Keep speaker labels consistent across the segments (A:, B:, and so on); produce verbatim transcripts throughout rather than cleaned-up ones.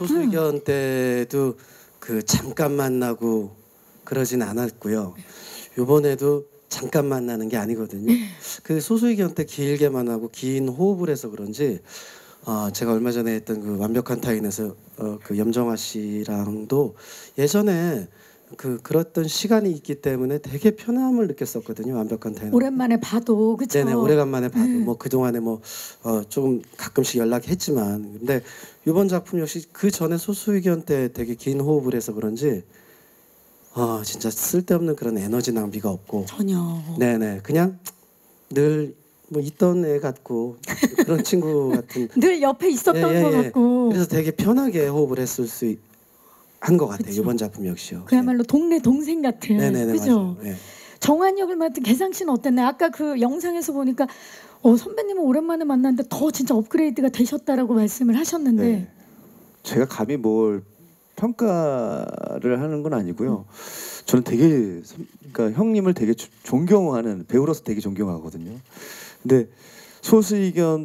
A: 소수의견 때도 그 잠깐 만나고 그러진 않았고요. 요번에도 잠깐 만나는 게 아니거든요. 그 소수의견 때 길게 만나고 긴 호흡을 해서 그런지 어, 제가 얼마 전에 했던 그 완벽한 타인에서 어, 그 염정아 씨랑도 예전에 그 그랬던 시간이 있기 때문에 되게 편함을 느꼈었거든요. 완벽한 타인.
B: 오랜만에 봐도 그렇죠.
A: 네네, 오래간만에 봐도
B: 네.
A: 뭐 그동안에 뭐 어, 좀 가끔씩 연락했지만 근데 이번 작품 역시 그 전에 소수의견 때 되게 긴 호흡을 해서 그런지 아 진짜 쓸데없는 그런 에너지 낭비가 없고
B: 전혀.
A: 네네 그냥 늘 뭐 있던 애 같고 그런 친구 같은
B: 늘 옆에 있었던
A: 예, 예,
B: 것
A: 예.
B: 같고.
A: 그래서 되게 편하게 호흡을 했을 수 한 것 같아요.
B: 그쵸.
A: 이번 작품 역시요.
B: 그야말로 동네 동생 같은.
A: 네네네
B: 그죠?
A: 맞아요. 예.
B: 정한 역을 맡은 개상 씨는 어땠나요? 아까 그 영상에서 보니까 어, 선배님은 오랜만에 만났는데 더 진짜 업그레이드가 되셨다라고 말씀을 하셨는데
C: 네. 제가 감히 뭘 평가를 하는 건 아니고요. 저는 되게 선- 그러니까 형님을 되게 조- 존경하는 배우로서 되게 존경하거든요. 근데 소수의견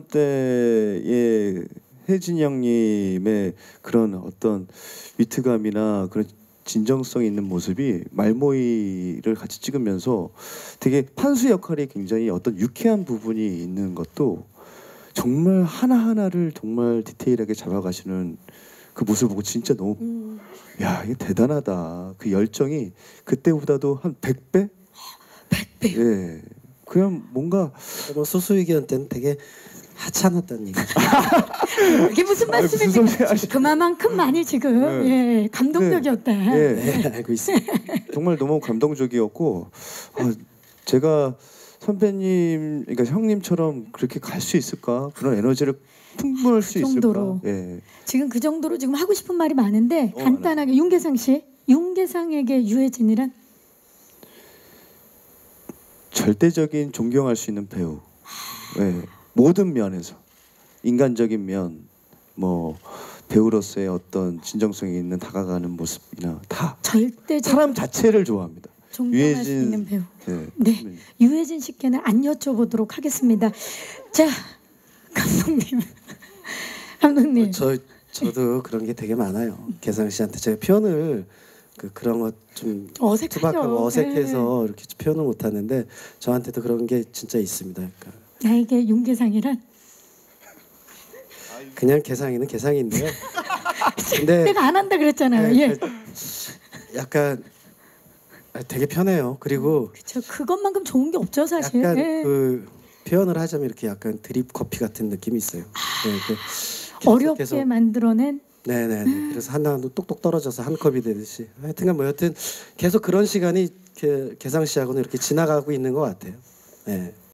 C: 때의 혜진이 형님의 그런 어떤 위트감이나 그런 진정성 있는 모습이 말모이를 같이 찍으면서 되게 판수 역할이 굉장히 어떤 유쾌한 부분이 있는 것도 정말 하나하나를 정말 디테일하게 잡아가시는 그 모습을 보고 진짜 너무
B: 음.
C: 야 이게 대단하다. 그 열정이 그때보다도 한 백 배?
B: 백 배.
C: 예. 그냥 뭔가
A: 뭐 소수의견 때는 되게 하찮았다는 얘기죠.
B: 이게 무슨
C: 아니, 무슨
B: 말씀입니까?
C: 소리 하시-
B: 그만큼만이 지금
C: 네.
B: 예, 감동적이었다.
C: 예.
A: 네, 알고 있습니다.
C: 정말 너무 감동적이었고 아, 제가 선배님 그러니까 형님처럼 그렇게 갈 수 있을까? 그런 에너지를 풍부할 수
B: 정도로.
C: 있을까? 예.
B: 지금 그 정도로 지금 하고 싶은 말이 많은데
C: 어,
B: 간단하게 윤계상 씨, 윤계상에게 유해진이란
C: 절대적인 존경할 수 있는 배우. 예. 모든 면에서 인간적인 면, 뭐 배우로서의 어떤 진정성이 있는 다가가는 모습이나 다
B: 절대적
C: 사람 자체를 좋아합니다.
B: 존경할 수
C: 유해진-
B: 있는 배우.
C: 예.
B: 네, 유해진 씨께는 안 여쭤보도록 하겠습니다. 자, 감독님, 감독님.
A: 저 저도 그런 게 되게 많아요. 개상 씨한테 제가 표현을 그 그런 것좀
B: 어색하죠.
A: 투박하고 어색해서 이렇게 표현을 못 하는데 저한테도 그런 게 진짜 있습니다. 그러니까
B: 나에게 윤계상이란
A: 그냥 개상이는 개상인데요. 근데
B: 내가 안 한다 그랬잖아요.
A: 네,
B: 예,
A: 그 약간 되게 편해요. 그리고
B: 그렇죠. 그것만큼 좋은 게 없죠, 사실.
A: 약간
B: 예.
A: 그 표현을 하자면 이렇게 약간 드립 커피 같은 느낌이 있어요. 네, 이렇게
B: 어렵게
A: 계속-
B: 만들어낸
A: 네네. 그래서 하나도 똑똑 떨어져서 한 컵이 되듯이. 하여튼간 뭐 여튼 계속 그런 시간이 그 개상 씨하고는 이렇게 지나가고 있는 것 같아요. 네.